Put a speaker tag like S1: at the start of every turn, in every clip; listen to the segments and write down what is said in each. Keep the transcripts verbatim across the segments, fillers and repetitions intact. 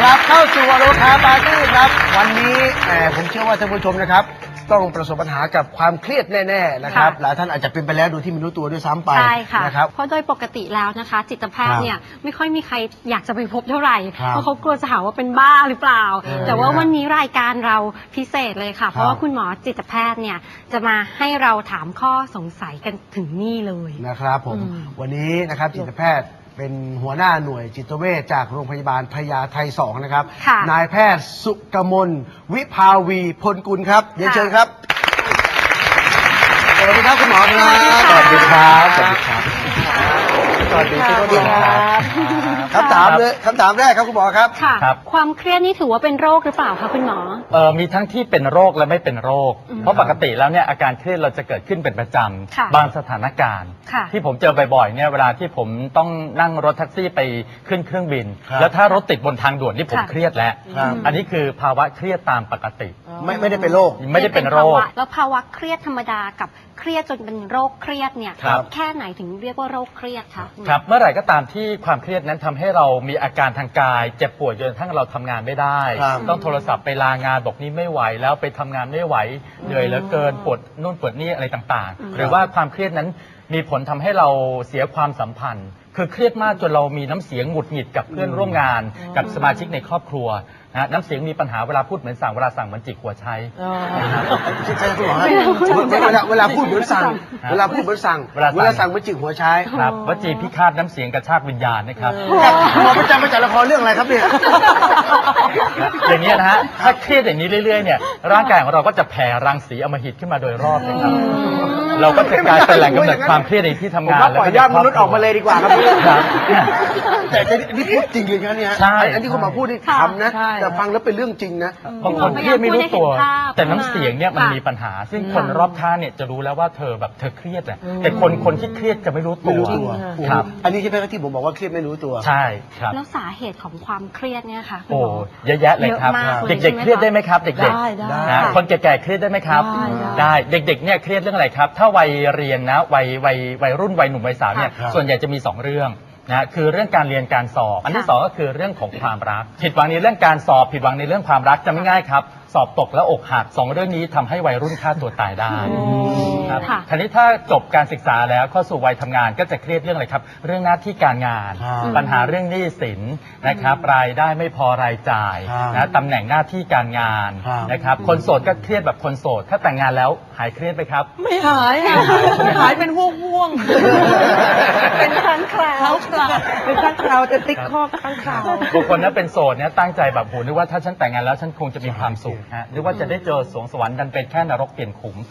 S1: รับเข้าสู่วาโลคาปาร์ตี้ครับวันนี้แหมผมเชื่อว่าท่านผู้ชมนะครับต้องประสบปัญหากับความเครียดแน่ๆนะครับหลายท่านอาจจะเป็นไปแล้วโดยที่ไม่รู้ตัวด้วยซ้ำไปใช่ค่ะนะครับ
S2: เพราะโดยปกติแล้วนะคะจิตแพทย์เนี่ยไม่ค่อยมีใครอยากจะไปพบเท่าไหร่เพราะเขากลัวจะหาว่าเป็นบ้าหรือเปล่าแต่ว่าวันนี้รายการเราพิเศษเลยค่ะเพราะว่าคุณหมอจิตแพทย์เนี่ยจะมาให้เราถามข้อสงสัยกันถึงนี่เลย
S1: นะครับผมวันนี้นะครับจิตแพทย์เป็นหัวหน้าหน่วยจิตเวชจากโรงพยาบาลพญาไทสองนะครับนายแพทย์สุกมลวิภาวีพลกุลครับเรียนเชิญครับสวัสดีครับคุณหมอครับ
S3: สวัสดีครับสวัสดีครับ
S1: สวัสดีครับคำถามเลยคำถามแรกครับคุณหมอครับ
S2: ค่ะความเครียดนี่ถือว่าเป็นโรคหรือเปล่าคะคุณหมอ
S3: เอ่อมีทั้งที่เป็นโรคและไม่เป็นโรคเพราะปกติแล้วเนี่ยอาการเครียดเราจะเกิดขึ้นเป็นประจำบางสถานการณ์ที่ผมเจอบ่อยๆเนี่ยเวลาที่ผมต้องนั่งรถแท็กซี่ไปขึ้นเครื่องบินแล้วถ้ารถติดบนทางด่วนนี่ผมเครียดแล้วอันนี้คือภาวะเครียดตามปกติ
S1: ไม่ไม่ได้เป็นโรค
S3: ไม่ได้เป็นโรค
S2: แล้วภาวะเครียดธรรมดากับเครียดจนเป็นโรคเครียดเนี่ยแค่ไหนถึงเรียกว่าโรคเครียดคะ
S3: ครับเมื่อไหร่ก็ตามที่ความเครียดนั้นทำให้เรามีอาการทางกายเจ็บป่วยจนกระทั่งเราทำงานไม่ได้ต้องโทรศัพท์ไปลางานบอกนี้ไม่ไหวแล้วไปทำงานไม่ไหวเหนื่อยเหลือเกินปวดนู่นปวดนี่อะไรต่างๆหรือว่าความเครียดนั้นมีผลทำให้เราเสียความสัมพันธ์คือเครียดมากจนเรามีน้ำเสียงหงุดหงิดกับเพื่อนร่วมงานกับสมาชิกในครอบครัวนะน้ำเสียงมีปัญหาเวลาพูดเหมือนสั่งเวลาสั่งเหมือนจิกหัวใช้
S1: ใช่คุณหมอเวลาเวลาพูดเหมือนสั่งเวลาพูดเหมือนสั่งเวลาสั่งเหมือนจิกหัวใช้
S3: ครับวจีพิฆาตน้ำเสียงกระชากวิญญาณนะครับ
S1: หมอประจำมาจากละครเรื่องอะไรครับเนี่ย
S3: อย่างนี้นะฮะถ้าเครียดอย่างนี้เรื่อยๆเนี่ยร่างกายของเราก็จะแผ่รังสีอำมหิตขึ้นมาโดยรอบนะครับเราก็จะกลายเป็นแหล่งกำเนิดความเครียดในที่ทำงาน
S1: แล้วปล่อยญาติมนุษย์ออกมาเลยดีกว่าครับแต่นี่พูดจริงเลยนะเนี่ยอันที่คุณหมอพูดนี่คำนะแต่ฟังแล้วเป็นเรื่องจริงนะ
S3: บางคนเครียดไม่รู้ตัวแต่น้ำเสียงเนี่ยมันมีปัญหาซึ่งคนรอบข้างเนี่ยจะรู้แล้วว่าเธอแบบเธอเครียดแหละแต่คนคนที่เครียดจะไม่รู้ตัว
S1: ครับอันนี้ใช่ไหมที่ผมบอกว่าเครียดไม่รู้ตัว
S3: ใช่ครับ
S2: แล้วสาเหตุของความเครียดเนี่ยค่ะ
S3: โอ้เยอะแยะเลยครับเด็กๆเครียดได้ไหมครับเด็กๆคนแก่ๆเครียดได้ไหมครับได้เด็กๆเนี่ยเครียดเรื่องอะไรครับถ้าวัยเรียนนะวัยวัยวัยรุ่นวัยหนุ่มวัยสาวเนี่ยส่วนใหญ่จะมีสองเรื่องนะคือเรื่องการเรียนการสอบอันที่สองก็คือเรื่องของความรักผิดหวังในเรื่องการสอบผิดหวังในเรื่องความรักจะไม่ง่ายครับสอบตกแล้วอกหักสองเรื่องนี้ทำให้วัยรุ่นฆ่าตัวตายได้ครับทีนี้ถ้าจบการศึกษาแล้วเข้าสู่วัยทำงานก็จะเครียดเรื่องอะไรครับเรื่องหน้าที่การงานปัญหาเรื่องหนี้สินนะครับรายได้ไม่พอรายจ่ายนะตำแหน่งหน้าที่การงานนะครับคนโสดก็เครียดแบบคนโสดถ้าแต่งงานแล้วหายเครียดไหมครับ
S4: ไม่หายหายเป็นห่วงห่วงเป็นครั้งคราวเป็นครั้งคราวจะติ๊กข้อครั้งคราว
S3: บางคนนั้นเป็นโสดเนี่ยตั้งใจแบบโหนึกว่าถ้าฉันแต่งงานแล้วฉันคงจะมีความสุขฮะนึกว่าจะได้เจอสวงสวรรค์ดันเป็นแค่นรกเปลี่ยนขุม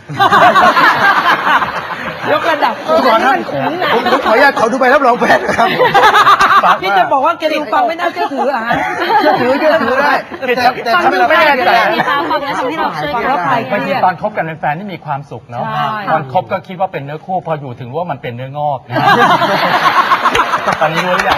S4: ยกระดับ
S1: ก่อนนะผมขออนุญาตขอดูใบรับรองแพทย์ครับ
S4: พี่จะบอกว่าแกดูฟังไม่น่าเชื่อถืออ่ะ
S1: เชื่อถือเชื่อถือได้
S3: แต่ทำให้เราไม่แน่ใจ
S2: ฟังแล้วทำให้เราเชื่อถื
S3: อบางทีตอนคบกันเป็นแฟนนี่มีความสุขเนาะตอนคบก็คิดว่าเป็นเนื้อคู่พออยู่ถึงว่ามันเป็นเนื้องอกตอนนี้รู้หรือยัง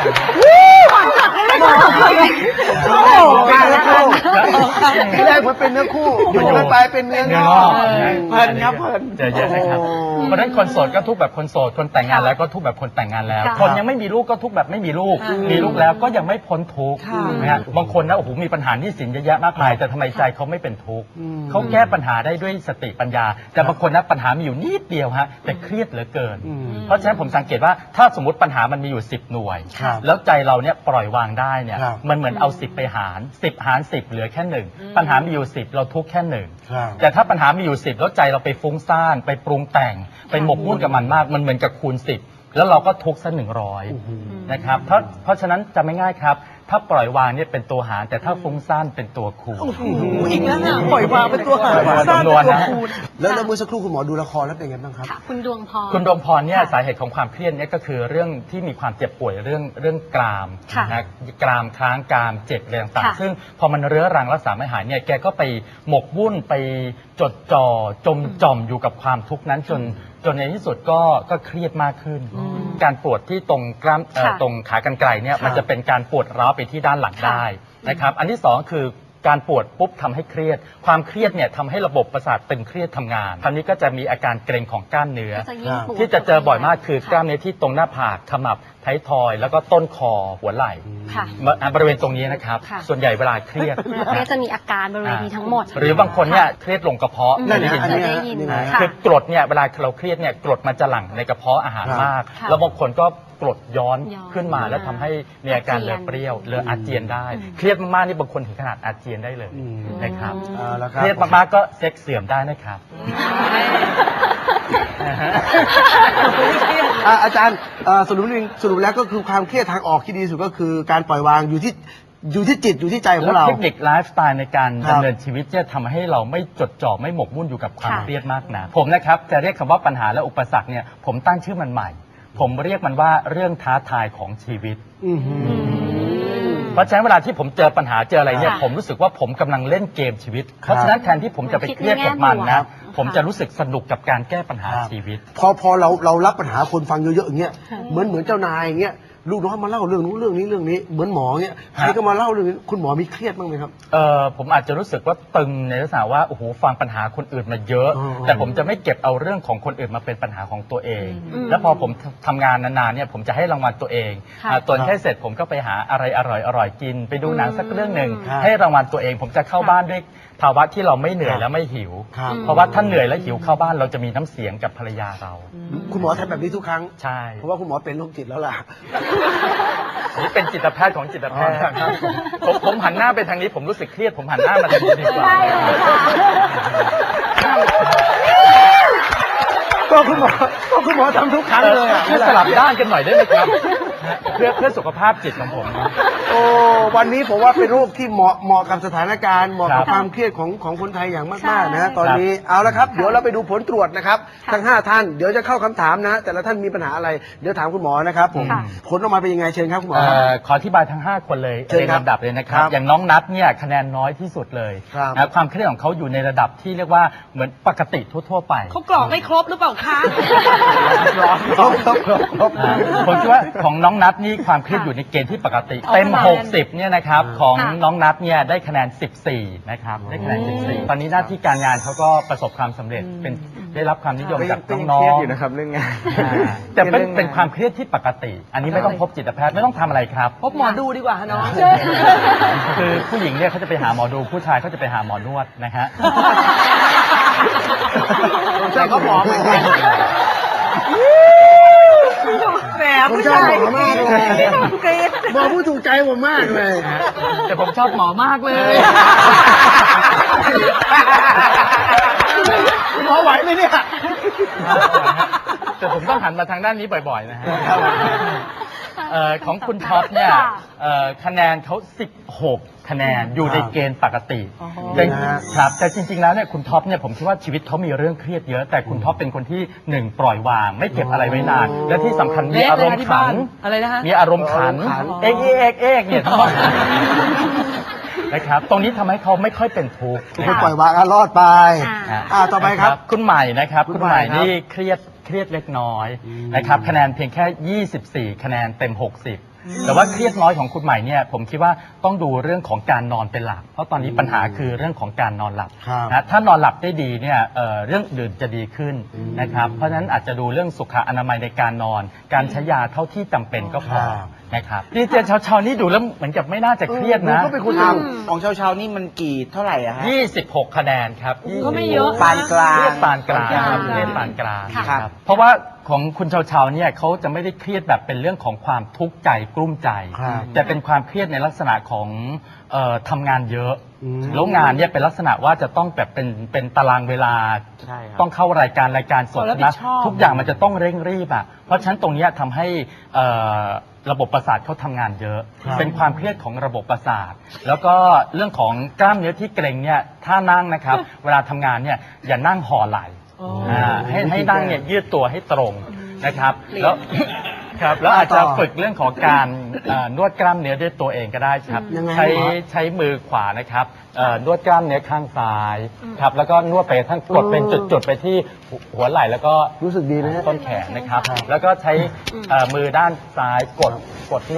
S1: ที่แรกมันเป็นเนื้อคู่อยู่กันไปเป็นเนื้องอกเพลินครับเพลิน
S3: เจอเยอะเลยครับเพราะฉะนั้นคนโสดก็ทุกแบบคนโสดคนแต่งงานแล้วก็ทุกแบบคนแต่งงานแล้วคนยังไม่มีลูกก็ทุกแบบไม่มีลูกมีลูกแล้วก็ยังไม่พ้นทุกข์นะฮะบางคนนะโอ้โหมีปัญหาหนี้สินเยอะแยะมากมายแต่ทำไมใจเขาไม่เป็นทุกข์เขาแก้ปัญหาได้ด้วยสติปัญญาแต่บางคนนะปัญหามีอยู่นิดเดียวฮะแต่เครียดเหลือเกินเพราะฉะนั้นผมสังเกตว่าถ้าสมมติปัญหามันมีอยู่สิบหน่วยแล้วใจเราเนี่ยปล่อยวางได้เนี่ยมันเหมือนเอาสิบไปหารสิบหารสิบเหลือแค่หนึ่งปัญหามีอยู่สิบเราทุกข์แค่หนึ่งแต่ถ้าปัญหามีอยู่สิบแล้วใจเราไปฟุ้งซ่านไปปรุงแต่งไปหมกมุ่นกับมันมากมันเหมือนกับคูณสิบแล้วเราก็ทุกข์ซะหนึ่งร้อยนะครับเพราะเพราะฉะนั้นจะไม่ง่ายครับถ้าปล่อยวางเนี่ยเป็นตัวหารแต่ถ้าฟุ้งซ่านเป็นตัวคูณ
S4: อีกแล้วนะปล่อยวางเป็นตัวหาร
S3: จำนวนนะ
S1: แล้วแล้วเมื่อสักครู่คุณหมอดูละครแล้วเป็นไงบ้างครับ
S2: คุณดวงพร
S3: คุณดวงพรเนี่ยสาเหตุของความเครียดเนี่ยก็คือเรื่องที่มีความเจ็บป่วยเรื่องเรื่องกรามนะกรามค้างกรามเจ็บอะไรต่างๆซึ่งพอมันเรื้อรังรักษาไม่หายเนี่ยแกก็ไปหมกมุ่นไปจดจ่อจมจ่อมอยู่กับความทุกข์นั้นจนจนในที่สุดก็ก็เครียดมากขึ้นการปวดที่ตรงกล้ามตรงขากรรไกรเนี่ยมันจะเป็นการปวดร้าวไปที่ด้านหลังได้นะครับอันที่สองคือการปวดปุ๊บทำให้เครียดความเครียดเนี่ยทำให้ระบบประสาทตึงเครียดทำงานคราวนี้ก็จะมีอาการเกร็งของกล้ามเนื้อ
S2: ก็จะยิ่งปวด
S3: ที่จะเจอบ่อยมากคือกล้ามเนื้อที่ตรงหน้าผากขมับท้ายทอยแล้วก็ต้นคอหัวไหล่
S2: ค่ะ
S3: บริเวณตรงนี้นะครับ
S2: ค่ะ
S3: ส่วนใหญ่เวลาเครียด
S2: เครียดจะมีอาการบริเวณนี้ทั้งหมด
S3: หรือบางคนเนี่ยเครียดลงกระเพาะ
S2: อืม
S1: นั่น
S3: ได้
S1: นะ
S3: ยิน
S1: อัน
S3: ไหม
S1: นี้
S2: ได้ยิน
S1: นี่นะ
S2: ค่ะ
S3: คือกรดเนี่ยเวลาเราเครียดเนี่ยกรดมันจะหลั่งในกระเพาะอาหาร
S1: ครับ
S3: มาก
S2: ค่ะ
S3: แล้วบางคนก็กรดย้อน
S2: ย้อน
S3: ขึ้นมาแล้วทำให้มีอาการ
S2: อาเจี
S3: เลื
S2: ย
S3: อน ดเปรี้ยวเลือดอาเจียนได้
S2: อืม
S3: เครียดมากๆนี่บางคนถึงขนาดอาเจียนได้เลย
S1: อืม
S3: นะครับ
S1: เอาละค
S3: เครับ รียดมากๆก็เซ็กเสื่อมได้นะครับนะฮะ
S1: อ่ะอาจารย์เอ่อสรุปนึงสรุปแล้วก็คือความเครียดทางออกที่ดีที่สุดก็คือการปล่อยวางอยู่ที่อยู่ที่จิตอยู่ที่ใจของ
S3: แล้ว
S1: เรา
S3: เทคนิคไลฟ์สไตล์ในการ
S1: ครับ
S3: ดำเนินชีวิตจะทำให้เราไม่จดจ่อไม่หมกมุ่นอยู่กับความ
S2: ค่ะ
S3: เครียดมากนะผมนะครับจะเรียกคำว่าปัญหาและอุปสรรคเนี่ยผมตั้งชื่อมันใหม่ ผมเรียกมันว่าเรื่องท้าทายของชีวิต
S1: อื้อหือ
S3: เพราะฉะนั้นเวลาที่ผมเจอปัญหาเจออะไรเนี่ย
S2: ค่ะ
S3: ผมรู้สึกว่าผมกำลังเล่นเกมชีวิต เพราะฉะนั้นแทนที่ผมจะไปเครียดกับมัน
S2: คิดในแง่
S3: นะ
S2: บวก
S3: ผมจะรู้สึกสนุกกับการแก้ปัญหา
S1: ครับ
S3: ชีวิต
S1: พอพอเราเรารับปัญหาคนฟังเยอะๆอย่างเงี้ย
S2: ค่ะ
S1: เหมือนเหมือนเจ้านายอย่างเงี้ยลูกน้องมาเล่าเรื่องนู้นเรื่องนี้เรื่องนี้เหมือนหมอเงี้ยใครก็มาเล่าเรื่องนี้คุณหมอมีเครียดบ้างไหมครับ
S3: เออผมอาจจะรู้สึกว่าตึงในลักษณะว่าโอ้โหฟังปัญหาคนอื่นมาเยอะ
S1: อ๋อ
S3: แต่ผมจะไม่เก็บเอาเรื่องของคนอื่นมาเป็นปัญหาของตัวเอง
S2: อืม
S3: แล้วพอผมทำงานนานๆเนี่ยผมจะให้รางวัลตัวเอง
S2: ค่ะ
S3: อ่าตอนแค่เสร็จผมก็ไปหาอะไรอร่อยๆกิน ไปดูหนังสักเรื่องหนึ่ง
S1: ครับ
S3: ให้รางวัลตัวเอง ผมจะเข้าบ้านด้วยภาวะที่เราไม่เหนื่อยและไม่หิว
S1: ครับ
S3: เพราะว่าถ้าเหนื่อยและหิวเข้าบ้านเราจะมีน้ำเสียงกับภรรยาเรา
S1: คุณหมอทำแบบนี้ทุกครั้ง
S3: ใช่
S1: เพราะว่าคุณหมอเป็นโรคจิตแล้วล่ะ
S3: นี่เป็นจิตแพทย์ของจิตแพทย์
S1: อ๋อครับ
S3: ผมผมหันหน้าไปทางนี้ผมรู้สึกเครียดผมหันหน้ามาทางนี้ดีกว่า
S2: ได้เลยค่ะ
S1: ก็คุณหมอก็คุณหมอทำทุกครั้งเลยอ่ะ
S3: ช่วยสลับด้านกันหน่อยได้ไหมครับ เพื่อเพื่อสุขภาพจิตของผมนะ
S1: โอ้วันนี้ผมว่าเป็นโรคที่เหมาะเหมาะกับสถานการณ์เหมาะกับ
S3: ครับ
S1: ความเครียดของของคนไทยอย่าง
S2: ใช่
S1: มากๆนะฮะตอนนี้เอาละครับ เดี๋ยวเราไปดูผลตรวจนะครับ ทั้งห้าท่านเดี๋ยวจะเข้าคำถามนะ แต่ละท่านมีปัญหาอะไรเดี๋ยวถามคุณหมอนะครับผม
S2: ค่ะ
S1: ผลออกมาเป็นยังไงเชิญครับคุณหมอ
S3: เอ่
S1: ครับ
S3: อขออธิบายทั้ง ห้า คนเลย
S1: เชิญ
S3: เรียง
S1: ครับ
S3: ลำดับเลยนะครับ
S1: ครับ
S3: อย่างน้องนัทเนี่ยคะแนนน้อยที่สุดเลย
S1: ครับ
S3: นะความเครียดของเขาอยู่ในระดับที่เรียกว่าเหมือนปกติทั่วๆไป
S4: เขากรอกไม่ครบหรือเปล่าคะ
S1: ครบครบครบครบ
S3: อ่าผมคิดว่าของน้องนัทนี่ความเครียดอยู่ในเกณฑ์ที่ปกติ
S4: เอา
S3: เต็ม
S4: คะแนน
S3: หกสิบเนี่ยนะครับของ
S2: ค่ะ
S3: น้องนัทเนี่ยได้คะแนนสิบสี่นะครับได้คะแนนสิบสี่ตอนนี้หน้าที่การงานเขาก็ประสบความสำเร็จเป็นได้รับความนิยมจากน้องๆ
S1: อยู่นะครับเรื่องงาน
S3: อ่าแต่เป็นเป็นความเครียดที่ปกติ อันนี้ไม่ต้องพบจิตแพทย์ไม่ต้องทำอะไรครับ
S4: พบหมอดูดีกว่าฮะน้อง
S3: คือผู้หญิงเนี่ยเขาจะไปหาหมอดูผู้ชายเขาจะไปหาหมอนวดนะฮะ
S1: แต่ก็หมอเหมือนกัน
S4: แหม
S1: ผม
S4: ผู้
S1: ชอบ
S4: ชาย
S1: หมอมากเลย
S4: กรี๊ด
S1: หมอผู้ถูกใจผมมากเลย
S3: แต่ผมชอบหมอมากเลย
S1: หมอไหวไหมเนี่ย
S3: แต่ผมต้องหันมาทางด้านนี้บ่อยๆนะฮะเอ่อของคุณท็อปเนี่ย
S2: ค่ะ
S3: เอ่อคะแนนเขาสิบหกคะแนนอยู่ในเกณฑ์ปกติ
S4: อ๋อ
S3: แต่
S1: นะฮะ
S3: ครับแต่จริงๆแล้วเนี่ยคุณท็อปเนี่ยผมคิดว่าชีวิตเขามีเรื่องเครียดเยอะ แต่คุณท็อปเป็นคนที่หนึ่งปล่อยวาง ไม่เก็บอะไรไว้นาน และที่สำคัญมี
S4: เละ
S3: อา
S4: เล
S3: ร
S4: ย
S3: ม
S4: นะ
S3: ณ์
S4: ที่
S3: ขั
S4: บ้าน
S3: น
S4: อะไรนะฮะ
S3: มีอารมณ์ขัน
S1: อารมณ์ขัน
S3: เอกเอกเอกเนี่ยทั้งหมดนะครับ ตรงนี้ทำให้เขาไม่ค่อยเป็นทุกข์
S1: คุณปล่อยวางอ่ะรอดไป
S2: อ่า
S1: อ่าต่อไปครับ
S3: คุณใหม่นะครับ
S1: คุ
S3: คุณ ณ
S1: ให
S3: ให
S1: ม่
S3: ม่
S1: ครับ
S3: นี่เครียดเครียดเล็กน้อย
S1: อืม
S3: นะครับคะแนนเพียงแค่ ยี่สิบสี่ คะแนนเต็ม หกสิบ แต่ว่าเครียดน้อยของคุณใหม่เนี่ยผมคิดว่าต้องดูเรื่องของการนอนเป็นหลัก เพราะตอนนี้ปัญหาคือเรื่องของการนอนหลับ
S1: ครับ
S3: นะถ้านอนหลับได้ดีเนี่ยเอ่อเรื่องอื่นจะดีขึ้น
S1: อืม
S3: นะครับเพราะฉะนั้นอาจจะดูเรื่องสุขอนามัยในการนอน การใช้ยาเท่าที่จำเป็นก็พอ
S1: ครับ
S3: นะครับนี่เจนชาวๆนี่ดูแล้วเหมือนกับไม่น่าจะเครียดนะ
S1: ก็เป็นคน
S2: อื
S1: ท
S2: ม
S5: ของเช้าๆนี่มันกี่เท่าไหร่อะฮะ
S3: ยี่สิบหกคะแนนครับ
S4: ก็ไม่เยอะ
S5: ปานกลาง
S3: เรียกปานกลางครับ
S4: ปานกลาง
S3: เรียกปานกลาง
S2: ค่ะ
S3: ครับเพราะว่าของคุณชาวชาวๆเนี่ยเขาจะไม่ได้เครียดแบบเป็นเรื่องของความทุกข์ใจกลุ้มใจ
S1: ครับ
S3: แต่เป็นความเครียดในลักษณะของเอ่อทำงานเยอะ
S1: อืม
S3: แล้วงานเนี่ยเป็นลักษณะว่าจะต้องแบบเป็นเป็นตารางเวลา
S5: ใช่ครับ
S3: ต้องเข้ารายการรายการสด
S4: ขอรับผิ
S3: นะ
S4: ดชอบ
S3: ทุกอย่างมันจะต้องเร่งรีบอ่ะเพราะฉะนั้นตรงเนี้ยทำให้เอ่อระบบประสาทเขาทำงานเยอะ
S1: ครับ
S3: เป็นความเครียดของระบบประสาท แล้วก็เรื่องของกล้ามเนื้อที่เกร็งเนี่ยถ้านั่งนะครับ เวลาทำงานเนี่ยอย่านั่งห่อไหล่
S4: อ๋ออ่
S3: าให้ให้นั่งเนี่ยยืดตัวให้ตรงนะครับ
S4: เปลี่ยน
S3: แล้ว ครับแล้วอาจจะ
S1: ต่อ
S3: ฝึกเรื่องของการเอ่อนวดกล้ามเนื้อด้วยตัวเองก็ได้ครับ
S1: ยังไง
S3: ใช้
S1: หมอ
S3: ใช้มือขวานะครับเอ่อนวดกล้ามเนื้อข้างซ้ายครับแล้วก็นวดไปทั้งกดเป็นจุดๆไปที่หัวไหล่แล้วก็
S1: รู้สึกดีนะฮะ
S3: ต้นแขนนะครับ แล้วก็ใช้เอ่อมือด้านซ้ายกดกดนวด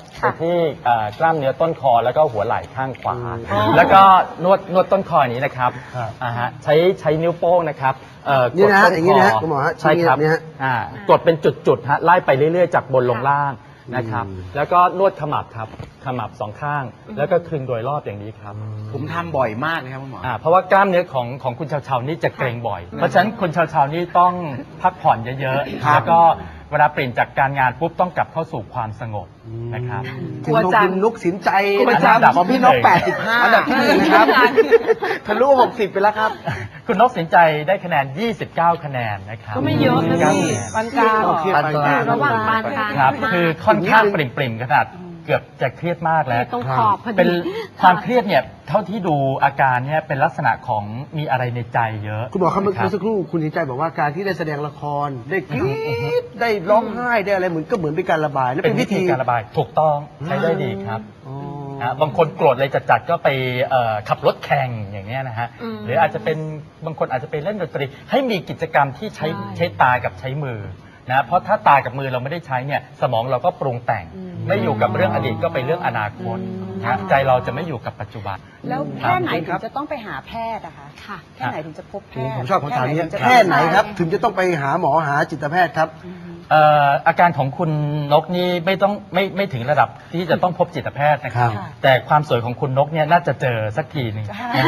S3: ไปที่เอ่อกล้ามเนื้อต้นคอแล้วก็หัวไหล่ข้างขวา แล้วก็นวดนวดต้นคออย่างนี้นะครับ
S1: ครับ
S3: อ่าฮะใช้ใช้นิ้วโป้งนะครับเอ่อ
S1: นี่นะฮะ
S3: กดต้
S1: อย่างนี้นะฮะคุณหมอฮะ
S3: ใช่ครับ
S1: ชี้อย่างนี้ฮะ
S3: อ่ากดเป็นจุดๆฮะไล่ไปเรื่อยๆจากบนลงล่างนะครับ
S1: อืม
S3: แล้วก็นวดขมับครับขมับสองข้าง แล้วก็คลึงโดยรอบอย่างนี้ครับ
S5: ผมทำบ่อยมากนะครับคุณหมอ
S3: อ่าเพราะว่ากล้ามเนื้อของของคุณชาวชาวๆนี่จะเกร็งบ่อย เพราะฉะนั้นคุณชาวชาวๆนี่ต้องพักผ่อนเยอะๆ แล้วก็เวลาเปลี่ยนจากการงานปุ๊บต้องกลับเข้าสู่ความสงบนะครับ
S1: ถึงลงทุนนุกสินใจ
S3: กลัว
S1: นะค
S3: จั
S1: รับ
S3: ง
S1: ของพี่นกแปดสิบห้าอันดับที่หนึ่งนะครับทะลุหกสิบไปแล้วครับ
S3: คุณนกสินใจได้คะแนน ยี่สิบเก้า คะแนนนะครับ
S4: ก็ไม่เยอะนะพี่ปานกลาง
S1: โอเค
S3: ปานกลาง
S2: ระหว่างปานกลาง
S3: ครับ
S2: มาก
S3: คือค่อนข้างปริ่มๆขนาดเกือบจะเครียดมากแล้ว
S2: ตรงขอบพอดี
S3: เป็นความเครียดเนี่ยเท่าที่ดูอาการเนี่ยเป็นลักษณะของมีอะไรในใจเยอะ
S1: คุณหมอครับเมื่อ
S3: รับ
S1: สักครู่คุณสินใจบอกว่าการที่ได้แสดงละครได้กรี๊ดได้ร้องไห้ได้อะไรเหมือนก็เหมือนเป็นการระบายนั่น
S3: เป็
S1: เป็น น
S3: วิ
S1: วิ
S3: ธี
S1: ธี
S3: การระบายถูกต้องใช้ได้ดีครับ
S1: อ๋อ
S3: นะบางคนโกรธเลยจัดๆก็ไปเอ่อขับรถแข่งอย่างเงี้ยนะฮะ
S2: อืม
S3: หรืออาจจะเป็นบางคนอาจจะไปเล่นดนตรี ให้มีกิจกรรมที่ใช้ใช้ตากับใช้มือนะเพราะถ้าตากับมือเราไม่ได้ใช้เนี่ยสมองเราก็ปรุงแต่ง ไม่อยู่กับเรื่องอดีตก็ไปเรื่องอนาคตนะใจเราจะไม่อยู่กับปัจจุบัน
S4: แล้วแค่ไหน
S1: ค
S4: ถึ
S1: รับ
S4: งจะต้องไปหาแพทย์อะคะ
S2: ค่ะ
S4: แค่ไหนถึงจะพบแพทย์
S1: ผมชอบคำถามนี้
S4: ถึงจะ
S1: แค่ไหนครับ ถึงจะต้องไปหาหมอหาจิตแพทย์ครับ
S3: เอ่ออาการของคุณนกนี่ไม่ต้องไม่ไม่ถึงระดับที่จะต้องพบจิตแพทย์นะครับ
S1: ครับ
S3: แต่ความสวยของคุณนกเนี่ยน่าจะเจอสักทีหนึ่ง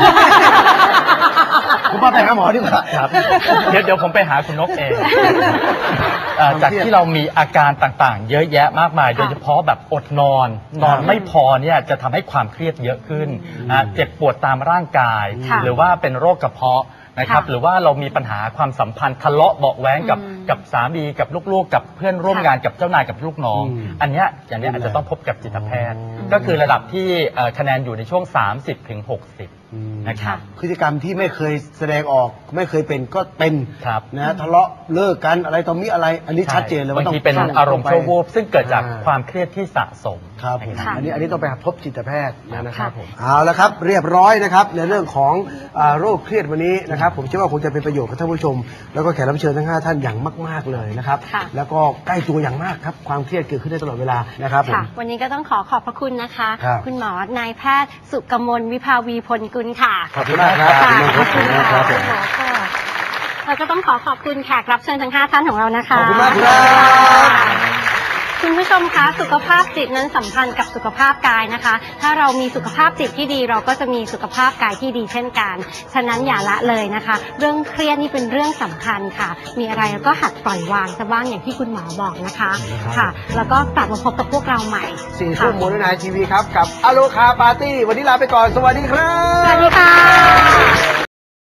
S1: ผมว่าไปหาหมอดีกว่า
S3: ครับเดี๋ยวเดี๋ยวผมไปหาคุณนกเองเอ่อจากที่เรามีอาการต่างๆ เยอะแยะมากมาย โดยเฉพาะแบบอดนอน นอนไม่พอเนี่ยจะทำให้ความเครียดเยอะขึ้นอ่ะเจ็บปวดตามร่างกาย
S2: ค่ะ
S3: หรือว่าเป็นโรคกระเพาะนะครับ
S2: ค่ะ
S3: หรือว่าเรามีปัญหาความสัมพันธ์ทะเลาะเบาะแว้งกับ
S2: อืม
S3: กับสามีกับลูกๆ กับเพื่อนร่วม
S2: ค่ะ
S3: งานกับเจ้านายกับลูกน้อง
S1: อืม
S3: อันเนี้ยอย่างเนี้ยอาจจะต้องพบกับจิตแพทย์
S1: อืม
S3: ก็คือระดับที่เอ่อคะแนนอยู่ในช่วง สามสิบถึงหกสิบ นะครับ
S1: พฤติกรรมที่ไม่เคยแสดงออก ไม่เคยเป็นก็เป็น
S3: ครับ
S1: นะทะเลาะเลิกกันอะไรต่อมีอะไร อันนี้ชัดเจนเลยว่า
S3: บาง
S1: ต้อง
S3: ทีเป็น
S1: ข้
S3: อารมณ์ชั่ววูบซึ่งเกิดจาก
S1: อ่า
S3: ความเครียดที่สะสม
S1: ครับผม
S3: นะ
S1: อันนี้อันนี้ต้องไปพบจิตแพทย์นะครับ
S3: ผม
S1: เอาละครับเรียบร้อยนะครับในเรื่องของอ่าโรคเครียดวันนี้นะครับ ผมเชื่อว่าคงจะเป็นประโยชน์กับท่านผู้ชม แล้วก็แขกรับเชิญทั้งห้าท่านอย่างมาก ๆเลยนะครับ
S2: ค่ะ
S1: แล้วก็ใกล้ตัวอย่างมากครับความเครียดเกิดขึ้นได้ตลอดเวลานะครับผม
S2: ค่ะ วันนี้ก็ต้องขอขอบพระคุณนะคะ
S1: ครับ
S2: คุณหมอนายแพทย์สุกมลวิภาวีพลกุลค่ะ
S1: ขอบคุณมากครับ
S2: ค่ะ
S1: ขอบคุณมากครับผม
S2: ค่ะเราก็ต้องขอขอบคุณแขกรับเชิญทั้งห้าท่านของเรานะคะ
S1: ขอบคุณมากครับ
S2: คุณผู้ชมคะสุขภาพจิตนั้นสัมพันธ์กับสุขภาพกายนะคะ ถ้าเรามีสุขภาพจิตที่ดีเราก็จะมีสุขภาพกายที่ดีเช่นกัน ฉะนั้นอย่าละเลยนะคะ เรื่องเครียดนี่เป็นเรื่องสำคัญค่ะ มีอะไรเราก็หัดปล่อยวางซะบ้างอย่างที่คุณหมอบอกนะคะค่ะ แล้วก็กลับมาพบกับพวกเราใหม่
S1: สี่
S2: ค่ะ
S1: ทุ่มโมนนายทีวีครับกับอโลคาปาร์ตี้วันนี้ลาไปก่อนสวัสดีครับ
S2: สวัสดีค่ะ